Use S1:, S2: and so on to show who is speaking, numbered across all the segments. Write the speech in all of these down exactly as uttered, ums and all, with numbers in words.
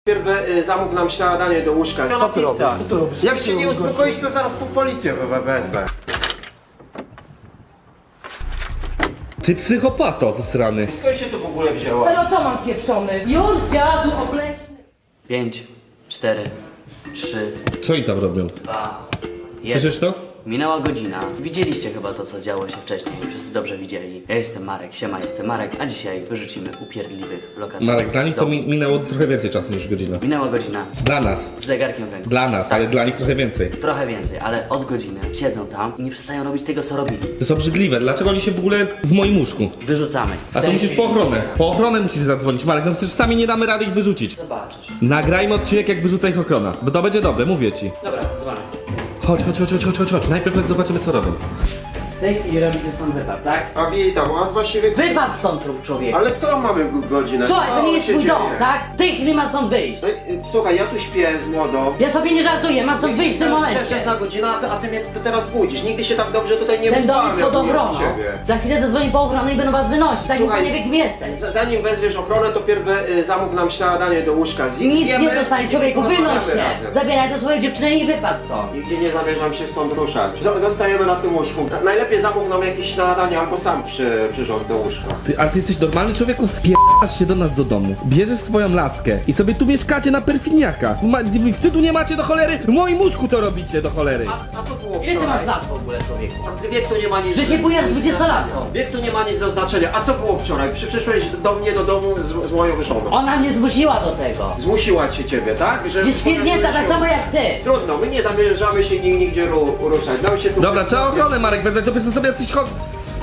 S1: Pierw y, zamów nam śniadanie do łóżka.
S2: Co ty robisz? Co ty robisz?
S1: Jak się nie uspokoisz, to zaraz po policję we- wezmę.
S3: Ty psychopato zasrany.
S1: Skąd się to w ogóle wzięło?
S4: Pelotoman pieprzony. Już dziadu obleśny.
S5: Pięć, cztery, trzy,
S3: Co oni tam robią?
S5: dwa, jeden.
S3: Słyszysz to?
S5: Minęła godzina. Widzieliście chyba to, co działo się wcześniej. Wszyscy dobrze widzieli. Ja jestem Marek, siema, jestem Marek, a dzisiaj wyrzucimy upierdliwych lokatorów.
S3: Marek, dla
S5: z
S3: nich to
S5: domu.
S3: mi minęło trochę więcej czasu niż godzina.
S5: Minęła godzina
S3: Dla nas.
S5: z zegarkiem w ręku.
S3: Dla nas,
S5: Tak.
S3: ale dla nich trochę więcej.
S5: Trochę więcej, ale od godziny siedzą tam i nie przestają robić tego, co robili.
S3: To jest obrzydliwe. Dlaczego oni się w ogóle w moim łóżku?
S5: Wyrzucamy.
S3: A to musisz po ochronę. Po ochronę musisz zadzwonić. Marek, no przecież sami nie damy rady ich wyrzucić.
S5: Zobaczysz.
S3: Nagrajmy odcinek, jak wyrzuca ich ochrona. Bo to będzie dobre, mówię ci.
S5: Dobra, dzwonię.
S3: Chodź, chodź, chodź, chodź, chodź, chodź. Najpierw chodź, zobaczymy, co robią.
S5: W tej chwili robicie stąd wypad, tak?
S1: A witam, a właściwie...
S5: Wypad stąd, trup człowieku.
S1: Ale którą mamy go- godzinę?
S5: Słuchaj, to
S1: Co
S5: nie jest
S1: się
S5: twój dom,
S1: dzieje?
S5: tak? W tej chwili masz stąd wyjść.
S1: No, y, Słuchaj, ja tu śpię z młodą.
S5: Ja sobie nie żartuję, masz stąd wyjść w tym momencie.
S1: Wczesna godzina, a ty, a ty mnie t- teraz budzisz. Nigdy się tak dobrze tutaj nie
S5: Ten dom
S1: wyspałem,
S5: jest pod
S1: jak byłem u
S5: ochroną.
S1: ciebie.
S5: Za chwilę zadzwoni po ochronę i będą was wynosić. Tak
S1: Słuchaj,
S5: nie wie kim jesteś.
S1: Z- Zanim wezwiesz ochronę, to pierw y, zamów nam śniadanie do łóżka. Zjem-
S5: Nic
S1: zjemy
S5: nie dostaniesz, człowieku,
S1: i
S5: wynoś
S1: porozmawiamy
S5: się.
S1: razem.
S5: Zabieraj to swoją dziewczynę i wypad stąd.
S1: Nigdzie nie zamierzam się stąd ruszać. Z- Zostajemy na tym łóżku. Na- Najlepiej zamów nam jakieś śniadanie albo sam przy, przyrząd do łóżka.
S3: Ty, ale ty jesteś normalny człowieku? Wpierasz się do nas do domu. Bierzesz swoją laskę i sobie tu mieszkacie na perfiniaka. Ma, wstydu nie macie do cholery? W moim łóżku to robicie do cholery.
S1: A, a to było
S5: Ile ty
S1: wczoraj?
S5: masz lat w ogóle, człowieku?
S1: A wiek tu nie ma nic...
S5: Że się bujasz z dwudziestolatką.
S1: Wiek tu nie ma nic do znaczenia. A co było wczoraj? Przy, przyszłeś do mnie do domu z, z moją żoną.
S5: Ona mnie zmusiła do tego.
S1: Zmusiła cię ciebie, tak? Że
S5: Jest świetnięta, tak samo jak ty.
S1: Trudno, my nie zamierzamy się nig- nigdzie ru, ruszać. Nam się tu...
S3: Dobra, trzeba ochronę, Marek, wezwać, to byś sobie jacyś chodź.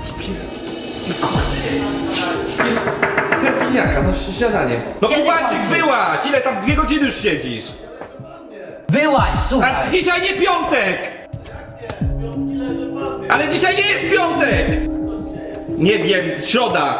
S3: Jest perfiniaka, no śniadanie. No
S5: Kiedy
S3: Kubańczyk,
S5: kończysz?
S3: wyłaź! Ile tam dwie godziny już siedzisz?
S5: Wyłaź,
S3: A
S5: słuchaj.
S3: dzisiaj nie piątek! Ale dzisiaj nie jest piątek! Nie wiem, środa!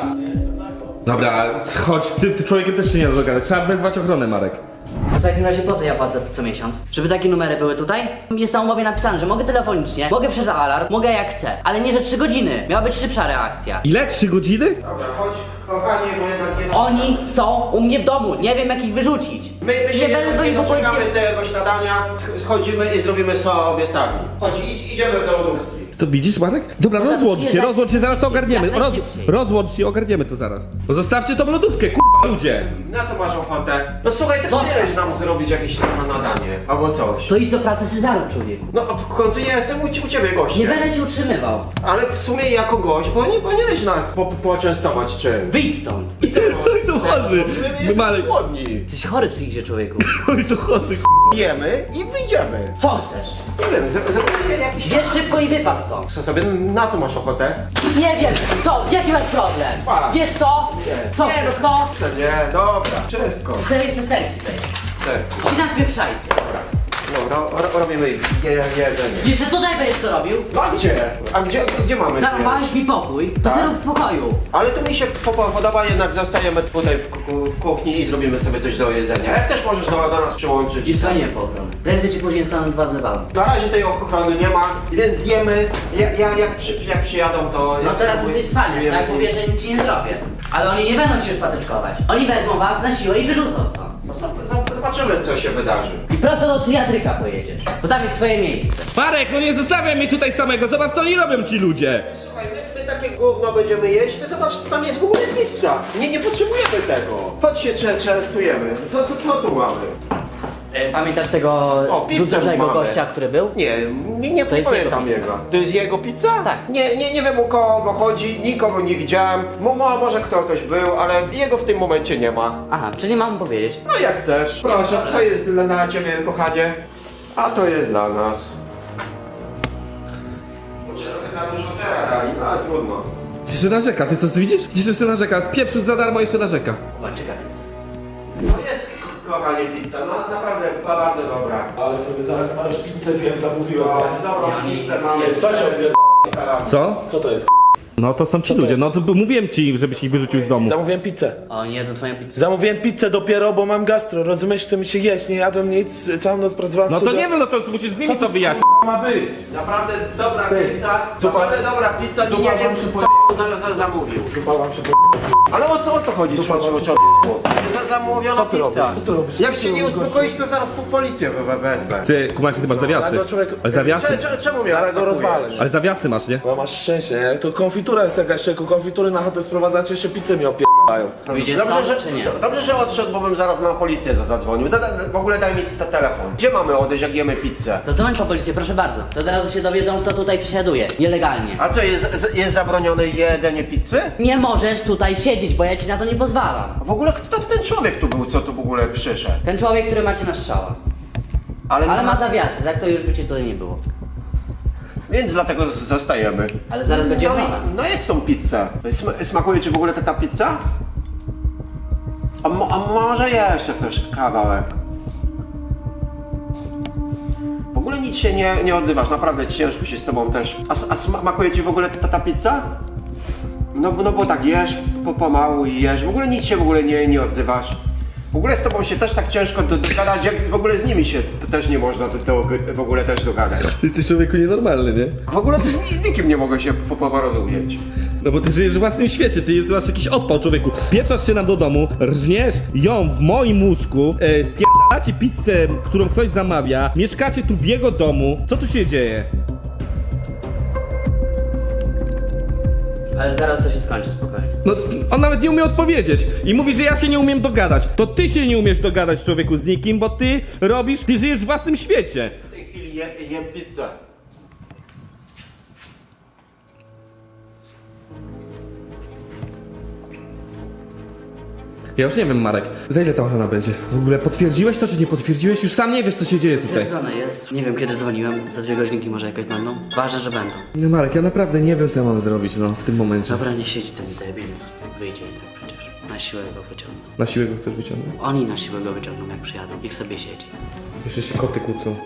S3: Dobra, chodź, z tym człowiekiem też się nie da dogadać. Trzeba wezwać ochronę, Marek.
S5: W takim razie po co ja płacę co miesiąc? Żeby takie numery były tutaj? Jest na umowie napisane, że mogę telefonicznie, mogę przez alarm, mogę jak chcę, ale nie że trzy godziny. Miała być szybsza reakcja.
S3: Ile? Trzy godziny?
S1: Dobra, chodź, kochanie, bo jednak nie...
S5: Oni są u mnie w domu, nie wiem jak ich wyrzucić.
S1: My, my się
S5: nie będę
S1: nie,
S5: dzwonił
S1: nie
S5: po policję.
S1: doczekamy tego śniadania, sch- schodzimy i zrobimy sobie sami. Chodź, idź, idziemy do lodówki.
S3: To widzisz, Marek? Dobra,
S5: Dobra,
S3: rozłącz
S5: to
S3: się,
S5: przyjeżdżaj
S3: rozłącz się, zaraz to
S5: szybciej,
S3: ogarniemy.
S5: jak
S3: Roz,
S5: najszybciej.
S3: rozłącz się, ogarniemy to zaraz. No zostawcie tą lodówkę, kurwa, ludzie!
S1: Na co masz ochotę? No słuchaj, ty
S5: Zostaw.
S1: powinieneś nam zrobić jakieś na nadanie, albo coś.
S5: To idź do pracy Cezaru, człowieku.
S1: No w końcu ja jestem u, ci- u ciebie gościem.
S5: Nie będę cię utrzymywał.
S1: Ale w sumie jako gość, bo nie powinieneś nas po, poczęstować czym.
S5: Wyjdź stąd.
S1: I co?
S3: Oni są chorzy!
S1: My jesteśmy
S3: Marek,
S1: głodni.
S5: Jesteś chory psychicznie, człowieku.
S3: oni są chorzy.
S1: Jemy i wyjdziemy.
S5: Co chcesz?
S1: Nie wiem, z- zrobimy jakiś...
S5: Wiesz szybko i wypad stąd.
S1: Co sobie, na co masz ochotę?
S5: Nie wiem, co? Jaki masz problem?
S1: Pa.
S5: Wiesz co? Co
S1: Nie,
S5: chcesz
S1: no,
S5: to?
S1: Nie, dobra, wszystko.
S5: Chcę jeszcze serki weź.
S1: Serku.
S5: Ci napieprzajcie.
S1: No, ro, ro, robimy je, jedzenie.
S5: Jeszcze tutaj będziesz to robił?
S1: No a gdzie? A gdzie, gdzie mamy?
S5: Zarąbałeś mi pokój, to
S1: Tak.
S5: sobie rób w pokoju.
S1: Ale tu mi się po- podoba, jednak zostajemy tutaj w, ku- w kuchni i zrobimy sobie coś do jedzenia. Jak też możesz do, do nas przyłączyć.
S5: I dzwonię po ochronę. Prędzej czy później staną dwa zlewały.
S1: Na razie tej ochrony nie ma, więc jemy. Ja, ja, jak, przy, jak przyjadą, to...
S5: No
S1: ja
S5: teraz
S1: spróbuję-
S5: jesteś cwaniak,
S1: jemy.
S5: tak? Mówię, że nic ci nie zrobię. Ale oni nie będą się szpateczkować. Oni wezmą was na siłę i wyrzucą stąd.
S1: No, z- z- Zobaczymy, co się wydarzy.
S5: I prosto do psychiatryka pojedziesz, bo tam jest twoje miejsce.
S3: Marek, no nie zostawiaj mnie tutaj samego, zobacz co oni robią ci ludzie!
S1: Słuchaj, my, my takie gówno będziemy jeść, ty zobacz, tam jest w ogóle pizza. Nie, nie potrzebujemy tego. Chodź się cze- częstujemy. Co, co, co tu mamy?
S5: E, Pamiętasz tego
S1: O, pizzę
S5: dużego
S1: mamy.
S5: gościa, który był?
S1: Nie, nie, nie
S5: To jest
S1: pamiętam
S5: jego
S1: jego.
S5: pizza.
S1: To jest jego pizza?
S5: Tak.
S1: Nie, nie, nie wiem u kogo chodzi, nikogo nie widziałem. Mo, mo, może ktoś był, ale jego w tym momencie nie ma.
S5: Aha, czyli mam mu powiedzieć.
S1: No jak chcesz. Proszę, to jest dla, dla ciebie, kochanie. A to jest dla nas. Może trochę za dużo sera dali, no ale trudno.
S3: Jeszcze narzeka, ty to widzisz? Widzisz, jeszcze narzeka, w pieprzu za darmo jeszcze narzeka.
S5: Zobaczyka więc.
S1: No jest, kochanie, pizza, no naprawdę była bardzo dobra.
S2: Ale sobie zaraz masz pizzę zjem, zamówiłem.
S1: No, dobrą
S5: Ja nie-
S1: pizzę mamy.
S2: Co się odbiera?
S3: Co?
S2: Co to jest?
S3: No to są ci ludzie, no to mówiłem ci, żebyś ich wyrzucił z domu.
S2: Zamówiłem pizzę.
S5: O, nie jedzą twoją pizzę.
S2: Zamówiłem pizzę dopiero, bo mam gastro. Rozumiesz, chce mi się jeść, nie jadłem nic, całą noc pracowałem w
S3: No to
S2: studio.
S3: nie wiem, no to musisz z nimi to wyjaśnić.
S2: ma być?
S1: Naprawdę dobra pizza,
S2: Dupa-
S1: naprawdę dobra pizza, nie,
S2: dupa
S1: nie wiem
S2: wam
S1: czy
S2: się
S1: kto za, za, zamówił.
S2: Chyba wam się
S1: Ale o co o to chodzi, człowieku? Za zamówiona
S2: Co ty
S1: pizza.
S2: robisz? Co ty robisz?
S1: Jak się nie uspokoisz, to zaraz po policję we- wezmę.
S3: Ty, kumacie, ty masz zawiasy.
S2: ale człowiek-
S3: Ale zawiasy?
S1: Cze- cze- Czemu mnie
S2: Zaraz go
S1: atakujesz?
S2: rozwalę.
S3: Ale zawiasy masz, nie?
S2: No masz szczęście, nie? To konfitura jest jakaś, człowieku. Konfitury na chatę sprowadzacie, jeszcze pizzę mi opierdają.
S5: Wyjdzie
S1: Dobrze,
S5: stąd,
S1: że,
S5: czy nie?
S1: do- dobrze, że odszedł, bo bym zaraz na policję za- zadzwonił. Da, da, w ogóle daj mi te telefon. Gdzie mamy odejść, jak jemy pizzę?
S5: To dzwoń po policję, proszę bardzo. To od razu się dowiedzą, kto tutaj przesiaduje. Nielegalnie.
S1: A co, jest, z- jest zabronione jedzenie pizzy?
S5: Nie możesz tutaj siedzieć, bo ja ci na to nie pozwalam.
S1: A w ogóle kto ten człowiek tu był, co tu w ogóle przyszedł?
S5: Ten człowiek, który macie na strzała.
S1: Ale,
S5: Ale ma zawiasy, tak to już by cię tutaj nie było.
S1: Więc dlatego z- zostajemy.
S5: Ale zaraz będzie
S1: No,
S5: ochrona.
S1: i- no jedz tą pizzę. Sm smakuje ci w ogóle ta, ta pizza? A, mo a może jeszcze ktoś kawałek? W ogóle nic się nie, nie odzywasz, naprawdę ciężko się z tobą też. A, s- a smakuje ci w ogóle ta, ta pizza? No, bo- no bo tak jesz, po, pomału i jesz, w ogóle nic się w ogóle nie, nie odzywasz. W ogóle z tobą się też tak ciężko do- dogadać, jak w ogóle z nimi się t- też nie można to, to w ogóle też dogadać.
S3: Ty jesteś człowieku nienormalny, nie?
S1: W ogóle to z ni- nikim nie mogę się po- po- porozumieć.
S3: No bo ty żyjesz w własnym świecie, ty jest- masz jakiś odpał, człowieku. Pieprzasz się nam do domu, rżniesz ją w moim łóżku, e, wpierdalacie pizzę, którą ktoś zamawia, mieszkacie tu w jego domu. Co tu się dzieje?
S5: Ale zaraz to się skończy, spokojnie.
S3: No, on nawet nie umie odpowiedzieć i mówi, że ja się nie umiem dogadać. To ty się nie umiesz dogadać, człowieku, z nikim, bo ty robisz, ty żyjesz w własnym świecie.
S1: W tej chwili je, jem pizzę.
S3: Ja już nie wiem, Marek, za ile ta ochrona będzie? W ogóle potwierdziłeś to, czy nie potwierdziłeś? Już sam nie wiesz, co się dzieje tutaj.
S5: Potwierdzone jest. Nie wiem kiedy dzwoniłem, za dwie godzinki może jakoś będą. Ważne, że będą.
S3: No Marek, ja naprawdę nie wiem, co ja mam zrobić, no, w tym momencie.
S5: Dobra, nie siedź ten debil. Wyjdzie i tak przecież. Na siłę go wyciągną.
S3: Na siłę go chcesz wyciągnąć?
S5: Oni na siłę go wyciągną, jak przyjadą. Niech sobie siedzi.
S3: Jeszcze się koty kłócą.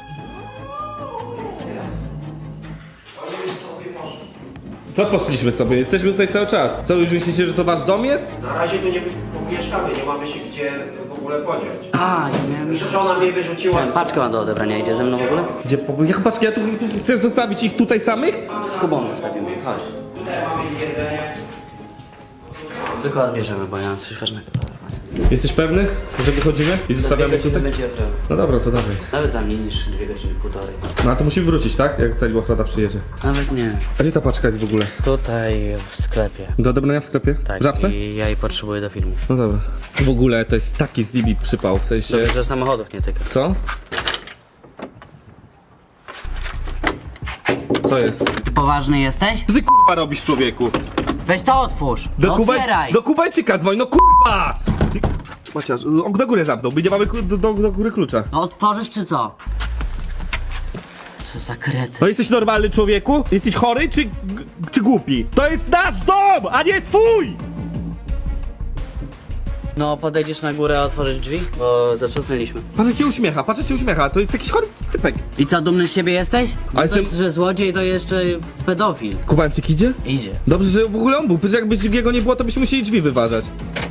S3: Co poszliśmy sobie? Jesteśmy tutaj cały czas. Co, już myślicie, że to wasz dom jest?
S1: Na razie tu nie mieszkamy, nie mamy się gdzie w ogóle podziać.
S5: A, ja miałem...
S1: Żona mnie wyrzuciła.
S5: Ten, paczkę ma do odebrania, idzie ze mną w ogóle?
S3: Gdzie, po, jak patrzcie, ja tu chcesz zostawić ich tutaj samych?
S5: Z Kubą zostawimy, chodź.
S1: Tutaj mamy jedzenie.
S5: Tylko odbierzemy, bo ja mam coś ważnego.
S3: Jesteś pewny, że wychodzimy i
S5: Za dwie
S3: zostawiamy
S5: godziny
S3: tutaj?
S5: będzie ochrona.
S3: No dobra, to dawaj.
S5: Nawet za mniej niż dwie godziny, półtorej.
S3: No a to musimy wrócić, tak? Jak cali ochrona przyjedzie.
S5: Nawet nie.
S3: A gdzie ta paczka jest w ogóle?
S5: Tutaj w sklepie.
S3: Do odebrania w sklepie?
S5: Tak,
S3: W Żabce?
S5: i ja jej potrzebuję do filmu.
S3: No dobra. W ogóle to jest taki z Libii przypał, w sensie...
S5: Dobrze, że samochodów nie tyka.
S3: Co? Co jest?
S5: Poważny jesteś?
S3: Co ty kurwa robisz, człowieku?
S5: Weź to otwórz!
S3: Do,
S5: No
S3: Kubańc...
S5: otwieraj!
S3: do Kubańczyka dzwoń, no kurwa! Ty... Maciasz, on do góry zamknął, my nie mamy ku- do, do, do góry klucza.
S5: No otworzysz czy co? Co za krety.
S3: No jesteś normalny, człowieku? Jesteś chory czy, czy głupi? To jest nasz dom, a nie twój!
S5: No podejdziesz na górę, a otworzysz drzwi? Bo zatrzasnęliśmy.
S3: Patrz, jak się uśmiecha, patrz, jak się uśmiecha, to jest jakiś chory typek.
S5: I co, dumny z siebie jesteś? No
S3: A jestem-
S5: to, że złodziej to jeszcze pedofil.
S3: Kubańczyk idzie?
S5: Idzie.
S3: Dobrze, że w ogóle on był, przecież jakby jego nie było, to byśmy musieli drzwi wyważać.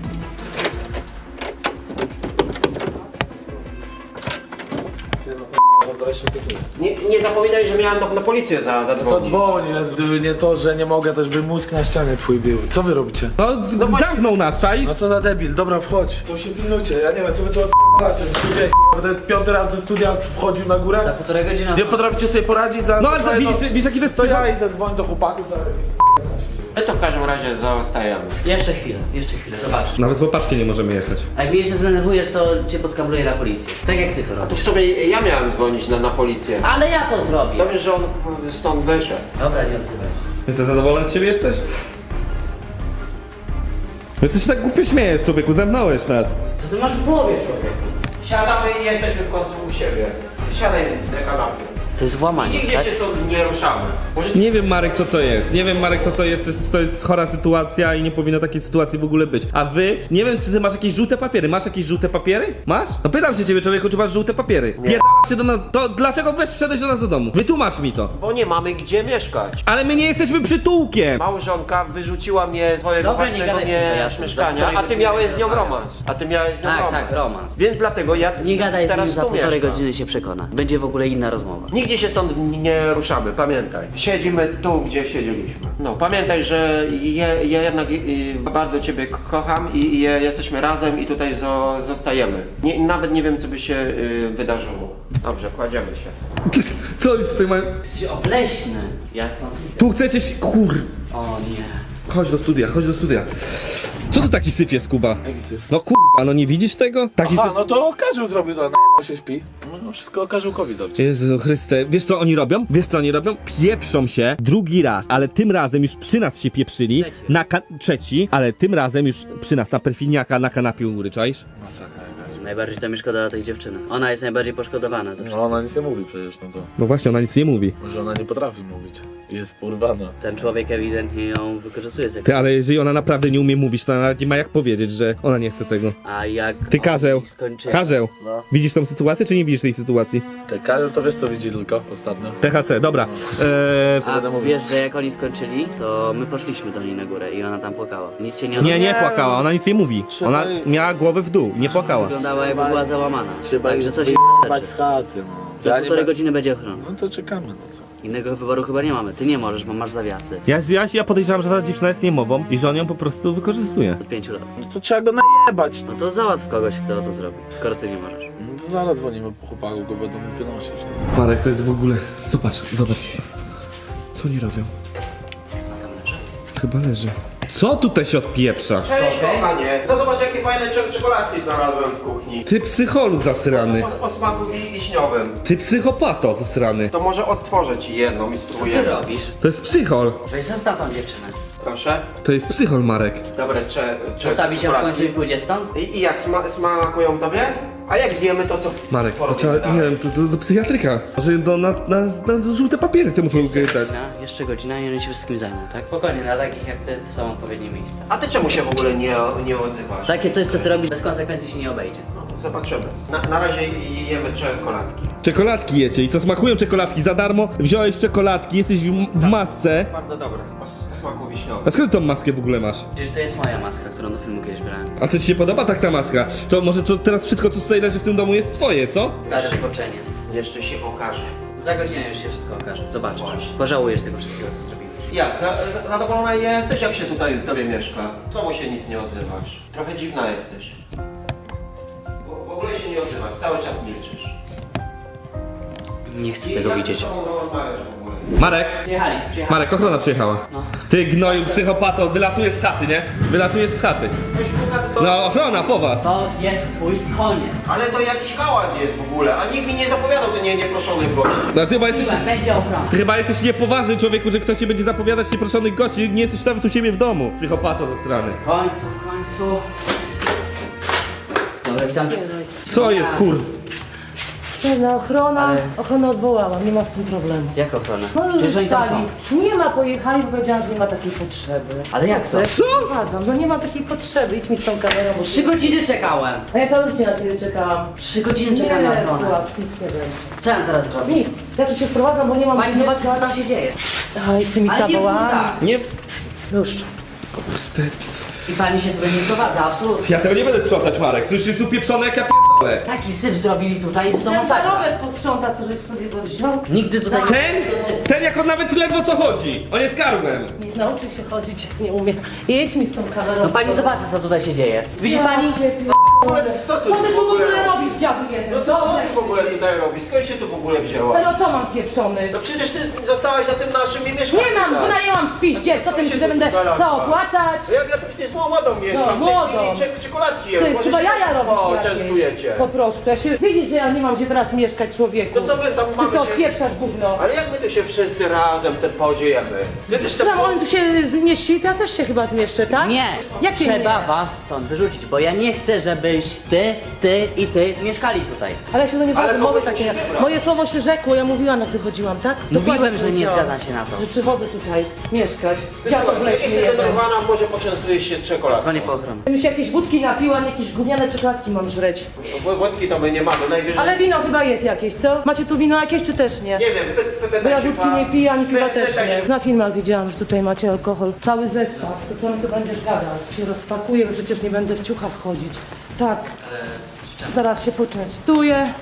S1: Nie, nie zapominaj, że miałem do, na policję za,
S2: To
S1: zadzwonić.
S2: dzwoń, jest, gdyby nie to, że nie mogę, też by mózg na ścianie twój był. Co wy robicie?
S3: No, zamknął nas, czaisz?
S2: No co za debil, dobra wchodź. To się pilnujcie, ja nie wiem co wy tu odpalacie, że studia będę piąty raz ze studia wchodził na
S5: Za
S2: górę.
S5: półtorej godziny.
S2: Nie potraficie sobie poradzić za...
S3: No ale to
S2: za jedno-
S3: widzisz, widzisz jaki to jest
S2: To ja
S3: przypał?
S2: idę dzwonić do chłopaków za...
S1: My to w każdym razie zostajemy.
S5: Jeszcze chwilę, jeszcze chwilę, zobaczysz.
S3: Nawet po paczki nie możemy jechać.
S5: A jak mnie jeszcze zdenerwujesz, to cię podkabluję na policję. Tak jak ty to
S1: A tu
S5: robisz.
S1: w sobie ja miałem dzwonić na, na policję.
S5: Ale ja to zrobię.
S1: Dobrze, że on stąd wyszedł.
S5: Dobra, nie odzywaj się.
S3: Jesteś zadowolony z siebie jesteś? No ty się tak głupio śmiejesz, człowieku, zamknąłeś nas.
S5: Co ty masz w głowie, człowieku?
S1: Siadamy i jesteśmy w końcu u siebie. Siadaj na kanapie.
S5: To jest włamanie,
S1: Nigdzie
S5: tak?
S1: się stąd nie ruszamy. Może
S3: Nie wiem, Marek, co to jest. Nie wiem, Marek, co to jest. To jest, to jest chora sytuacja i nie powinno takiej sytuacji w ogóle być. A wy, nie wiem, czy ty masz jakieś żółte papiery. Masz jakieś żółte papiery? Masz? No pytam się ciebie, człowieku, czy masz żółte papiery. Pierdalasz się do nas. To dlaczego weź wszedłeś do nas do domu? Wytłumacz mi to.
S1: bo nie mamy gdzie mieszkać.
S3: Ale my nie jesteśmy przytułkiem.
S1: Małżonka wyrzuciła mnie z swojego
S5: Dobra, nie
S1: własnego
S5: gadaj
S1: mie-
S5: z tym pajacem.
S1: mieszkania,
S5: Za
S1: a ty
S5: półtorej
S1: miałeś z
S5: godziny
S1: nią
S5: rozmawiam.
S1: romans. A ty miałeś z nią
S5: Tak,
S1: romans.
S5: tak, romans.
S1: Więc dlatego ja
S5: Nie gadaj z nim,
S1: teraz
S5: za
S1: tu
S5: półtorej
S1: mieszkam.
S5: godziny się przekona. Będzie w ogóle inna rozmowa.
S1: Nigdzie nigdzie się stąd nie ruszamy, pamiętaj. Siedzimy tu, gdzie siedzieliśmy. No, pamiętaj, że ja, ja jednak y, bardzo ciebie k- kocham i, i jesteśmy razem i tutaj zo, zostajemy. Nie, nawet nie wiem, co by się y, wydarzyło. Dobrze, kładziemy się.
S3: Co oni tutaj mają?
S5: Jesteś obleśny. Ja stąd idę.
S3: Tu chcecie się... Kur...
S5: O nie.
S3: Chodź do studia, chodź do studia. Co to taki syf jest, Kuba?
S2: Jaki syf?
S3: No kurwa, no nie widzisz tego? Taki
S2: Aha,
S3: syf...
S2: no to Karzeł zrobił za najebał się śpi. No wszystko Karzełkowi zrobić.
S3: Jezu Chryste, wiesz co oni robią? Wiesz co oni robią? Pieprzą się drugi raz, ale tym razem już przy nas się pieprzyli.
S5: Trzeci.
S3: Na ka- trzeci, ale tym razem już przy nas, na perfiniaka, na kanapie u góry, czaisz?
S2: Masakra jakaś.
S5: Najbardziej to mi szkoda tej dziewczyny. Ona jest najbardziej poszkodowana ze
S2: No
S5: wszystkiego.
S2: ona nic nie mówi przecież, no to...
S3: No właśnie, ona nic nie mówi.
S2: Może ona nie potrafi mówić. Jest porwana.
S5: Ten człowiek ewidentnie ją wykorzystuje
S3: Ty,
S5: seksualnie.
S3: ale jeżeli ona naprawdę nie umie mówić, to ona nawet nie ma jak powiedzieć, że ona nie chce tego.
S5: A jak
S3: Ty, Karzeł,
S5: oni skończyli...
S3: Karzeł,
S2: No.
S3: widzisz tą sytuację, czy nie widzisz tej sytuacji?
S2: Te Karzeł to wiesz co widzi tylko ostatnio?
S3: T H C, dobra. Eee,
S5: A
S2: Będę mówił.
S5: wiesz, że jak oni skończyli, to my poszliśmy do niej na górę i ona tam płakała. Nic się nie
S3: nie,
S5: odbyło.
S3: nie płakała, ona nic nie mówi. Ona miała głowę w dół, nie płakała.
S5: Wyglądała jakby była załamana.
S2: Trzeba
S5: Także
S2: ich
S5: coś jest
S2: wyjebać
S5: rzeczy.
S2: z chaty, no.
S5: Za
S2: Ja nie
S5: półtorej
S2: be-
S5: godziny będzie ochrona.
S2: No to czekamy, no co?
S5: Innego wyboru chyba nie mamy. Ty nie możesz, bo masz zawiasy.
S3: Ja, ja, ja podejrzewam, że ta dziewczyna jest niemową i że on ją po prostu wykorzystuje.
S5: Od pięciu lat.
S2: No to trzeba go najebać.
S5: No to załatw kogoś, kto to zrobi, skoro ty nie możesz.
S2: No to zaraz dzwonimy po chłopaku, go będą wynosić.
S3: Marek, to jest w ogóle... Zobacz, zobacz. Co oni robią?
S5: A tam leży.
S3: Chyba leży. Co tutaj się odpieprza?
S1: Cześć,
S5: Okej.
S1: kochanie. Co, zobacz, jakie fajne cze- czekoladki znalazłem w kuchni.
S3: Ty psycholu zasrany.
S1: O, o smaku wi- wiśniowym.
S3: Ty psychopato zasrany.
S1: To może odtworzę ci jedną i
S5: Co ty
S1: spróbujemy.
S5: robisz?
S3: To jest psychol.
S5: Weź zostaw tą dziewczynę.
S1: Proszę.
S3: To jest psychol, Marek.
S1: Dobre, cze, cze,
S5: Zostawi się w
S1: czekoladki.
S5: końcu i pójdzie stąd?
S1: I, I jak sma smakują tobie? A jak zjemy, to co?
S3: Marek, to
S1: porobimy
S3: trzeba,
S1: dalej?
S3: nie wiem, to, to do psychiatryka. Może do, na, na, na żółte papiery ty muszą dać.
S5: Godzina, jeszcze godzina i oni się wszystkim zajmą, tak? Spokojnie, dla takich jak ty są odpowiednie miejsca.
S1: A ty czemu się w ogóle nie, nie odzywasz?
S5: Takie coś, co ty robisz, bez konsekwencji się nie obejdzie.
S1: No, zobaczymy. Na, na razie jemy czekoladki.
S3: Czekoladki jecie i co smakują czekoladki za darmo? Wziąłeś czekoladki, jesteś w, w masce.
S1: Bardzo dobre, o s- smaku wiśniowym.
S3: A skąd tą maskę w ogóle masz?
S5: Przecież to jest moja maska, którą do filmu kiedyś brałem.
S3: A co ci się podoba tak ta maska? To może to teraz wszystko co tutaj leży w tym domu jest twoje, co?
S5: Stary zboczeniec.
S1: Jeszcze się okaże.
S5: Za godzinę już się wszystko okaże. Zobaczysz.
S1: Właśnie.
S5: Pożałujesz tego wszystkiego, co zrobiłeś.
S1: Jak? Za, za, zadowolona jesteś, jak się tutaj w tobie mieszka? Czemu się nic nie odzywasz? Trochę dziwna jesteś. W, w ogóle się nie odzywasz, cały czas milczysz.
S5: Nie chcę
S1: I
S5: tego
S1: jak
S5: widzieć.
S1: z tobą rozmawiasz w ogóle?
S3: Marek,
S5: Przyjechali, przyjechali.
S3: Marek, ochrona przyjechała.
S5: No.
S3: Ty gnoju psychopato, wylatujesz z chaty, nie? Wylatujesz z chaty.
S1: Ktoś puka, to...
S3: No ochrona po was.
S5: To jest twój koniec.
S1: Ale to jakiś hałas jest w ogóle, a nikt mi nie zapowiadał to nie, nieproszonych gości.
S3: No ty chyba jesteś...
S5: Chwila, będzie ochrona.
S3: Ty chyba jesteś niepoważny człowieku, że ktoś ci będzie zapowiadać nieproszonych gości, nie jesteś nawet u siebie w domu. Psychopato zasrany.
S5: W końcu, w końcu. Dobra, witam.
S3: Co jest kur...
S4: Pewna ochrona,
S5: Ale-
S4: ochronę odwołałam, nie ma z tym problemu.
S5: Jak ochrona?
S4: No już
S5: Przecież oni tam są.
S4: stali. Nie ma, pojechali, bo powiedziałam, że nie ma takiej potrzeby.
S5: Ale jak to?
S4: Ja
S3: Co?
S4: Wprowadzam, no nie ma takiej potrzeby, idź mi z tą kamerą, bo...
S5: Trzy godziny czekałem.
S4: A ja całe życie na ciebie czekałam.
S5: Trzy godziny czekałem
S4: Nie,
S5: na ochronę.
S4: Pułap, nic nie będzie.
S5: Co ja mam teraz zrobić?
S4: Nic, ja tu się wprowadzam, bo nie mam...
S5: Pani
S4: gdzie
S5: zobaczy, co
S4: mieszkać.
S5: tam się dzieje.
S4: A, i z tymi
S5: Ale nie
S4: tabołami.
S5: buta.
S3: Nie...
S4: Już.
S3: Kurde.
S5: I pani się tutaj nie prowadza, absolutnie.
S3: Ja tego nie będę sprzątać, Marek. To już jest upieprzone jak ja p***le.
S5: Taki syf zrobili tutaj, że to
S4: Ten
S5: masakra.
S4: zarobek posprząta, co żeś sobie go wziął.
S5: Nigdy tutaj nie...
S3: Ten? Ten jak on nawet ledwo co chodzi. On jest karłem.
S4: Nie nauczy się chodzić, jak nie umie. Jedź mi z tą kamerą.
S5: No pani zobaczy, co tutaj się dzieje. Widzi
S4: Ja
S5: pani?
S4: cię
S1: Ale co ty
S4: Co
S1: tu
S4: ty
S1: w
S4: tu w
S1: ogóle
S4: ogóle
S1: robisz?
S4: robisz, dziadu jeden?
S1: No co, co ty w ogóle tutaj robisz? Skąd się tu w ogóle wzięła?
S4: Ale to mam pieprzony.
S1: No przecież ty zostałaś na tym naszym mieszkaniu.
S4: Nie mam, wynajęłam w piździe, co tym, że będę co opłacać?
S1: Ja, ja to przecież z młodą mieszkam,
S4: No,
S1: w tej
S4: młodą.
S1: chwili cze- czekoladki jem.
S4: Ty,
S1: Może
S4: chyba
S1: się
S4: jaja
S1: też
S4: robisz
S1: O,
S4: jakieś.
S1: częstujecie.
S4: Po prostu, ja się, widzisz, że ja nie mam gdzie teraz mieszkać, człowieku.
S1: To co my tam mamy
S4: Ty co,
S1: się-
S4: odpieprzasz gówno.
S1: Ale jak my tu się wszyscy razem te podziejemy? Kiedyś to
S4: Trzeba, on tu się zmieści, to ja też się chyba zmieszczę, tak?
S5: Nie!
S4: Jakie
S5: Trzeba
S4: nie?
S5: was stąd wyrzucić, bo ja nie chcę, żebyś ty, ty i ty mieszkali tutaj.
S4: Ale ja się do nie
S1: Ale
S4: wadzę,
S1: kogoś
S4: mowy takie.
S1: musi wybrać.
S4: Moje słowo się rzekło, ja mówiłam jak wychodziłam, tak? Dokładnie
S5: Mówiłem, że nie
S4: powiedziałam,
S5: zgadzam się na to.
S4: Że przychodzę tutaj mieszkać.
S1: Ty
S4: Dziadek
S1: słuchaj, jak
S4: leśny
S1: jesteś
S4: jeden.
S1: zdenerwowana, może poczęstujesz się czekoladką.
S5: Dzwonię po ochronę.
S4: Bym się jakieś wódki napiła, nie jakieś gówniane czekoladki mam żreć.
S1: Wod- Wodki to my nie mamy, najwyżej...
S4: Ale wino chyba jest jakieś, co? Macie tu wino jakieś czy też nie?
S1: Nie wiem, py, py, py,
S4: Bo ja
S1: się
S4: wódki
S1: pan-
S4: nie piję, ani piwa
S1: py-
S4: też
S1: pytaj
S4: nie.
S1: się-
S4: Na filmach widziałam, że tutaj macie alkohol. Cały zestaw. To co mi tu będziesz gadał? Się rozpakuję, bo przecież nie będę w ciuchach chodzić. Tak. Zaraz się poczęstuję.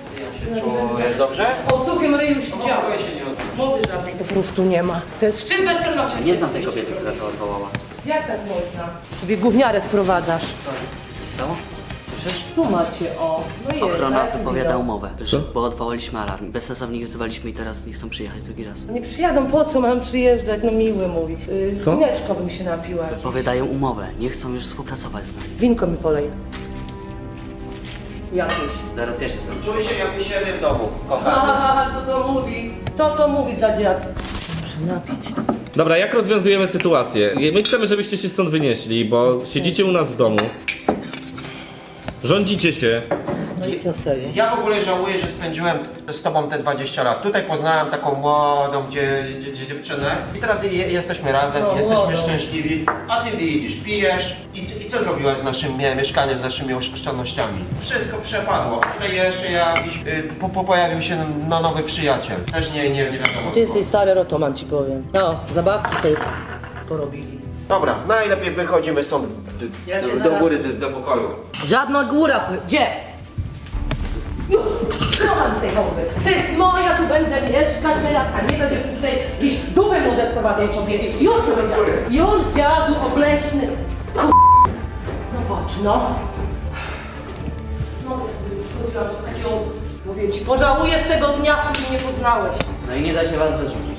S1: Czujesz dobrze?
S4: O suchym ryju już
S1: No,
S4: działa.
S1: mogę się nie odzywać.
S4: Mowy żadnej po prostu nie ma. To jest szczyt bezczelności.
S5: Nie znam tej kobiety, która to odwołała.
S4: Jak tak można? Sobie gówniarę sprowadzasz.
S5: Co się stało? Słyszysz?
S4: Tu macie, o. No jest,
S5: Ochrona
S4: tak,
S5: wypowiada
S4: widać.
S5: umowę, że, bo odwołaliśmy alarm. Bezsensownie wzywaliśmy i teraz nie chcą przyjechać drugi raz.
S4: Nie przyjadą, po co mam przyjeżdżać? No miły mówi. Yy,
S3: Co?
S4: Winieczko bym się napiła.
S5: Wypowiadają umowę, nie chcą już współpracować z nami.
S4: Winko mi polej. Jakieś.
S5: Zaraz ja się sam.
S1: Czuję się jakby siebie w domu, kochany.
S4: Haha, to to mówi. To to mówi za dziad. Muszę napić.
S3: Dobra, jak rozwiązujemy sytuację? My chcemy, żebyście się stąd wynieśli, bo siedzicie u nas w domu. Rządzicie się.
S4: No i co z tego?
S1: Ja w ogóle żałuję, że spędziłem t- z tobą te dwadzieścia lat. Tutaj poznałem taką młodą dzie, dzie, dzie, dziewczynę i teraz je, jesteśmy razem,
S4: No,
S1: jesteśmy
S4: młodą.
S1: szczęśliwi. A ty widzisz, pijesz i, c- i co zrobiłaś z naszym mie- mieszkaniem, z naszymi oszczędnościami? Wszystko przepadło. Tutaj jeszcze jakiś, y, po, po pojawił się no, nowy przyjaciel. Też nie, nie, nie wiadomo
S4: Ty
S1: skąd.
S4: jesteś stary rotoman, ci powiem. No, zabawki sobie porobili.
S1: Dobra, najlepiej wychodzimy stąd d-
S4: Ja się
S1: do, do
S4: zaraz-
S1: góry, do, do pokoju.
S4: Żadna góra, gdzie? Już, słucham z tej chałupy. To jest moja, tu będę mieszkać teraz, a nie będziesz tutaj gdzieś dupę młode sprowadzać sobie. Już powiedziałem. Już dziadu obleśny. Kur... No patrz, no. No, ja już chodziłam z taką... Mówię ci, pożałujesz tego dnia, w którym mnie poznałeś.
S5: No i nie da się was wyrzucić.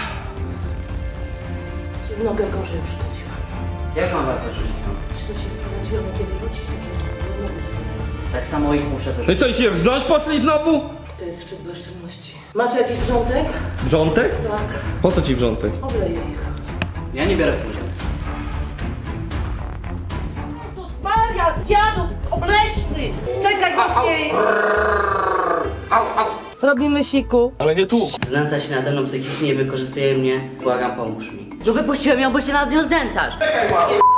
S4: W nogę gorzej już chodziłam.
S5: Jak mam was wyrzucić stąd?
S4: Czy to cię wprowadziłam, jak kiedy rzucić, to cię no, już
S5: Tak samo ich muszę
S3: No i
S5: wyrzucić.
S3: co, i się wrząć poszli znowu?
S4: To jest szczyt bezczelności. Macie jakiś wrzątek?
S3: Wrzątek?
S4: Tak.
S3: Po co ci wrzątek?
S4: Obleję ich.
S5: Ja nie biorę w tym udziału.
S4: Jezus Maria, z dziadu, obleśny! Czekaj, właśnie! Robimy siku.
S2: Ale nie tu.
S5: Znęca się nade mną psychicznie i wykorzystuje mnie. Błagam, pomóż mi. No wypuściłem ją, bo się nad nią znęcasz.
S1: Czekaj, ła-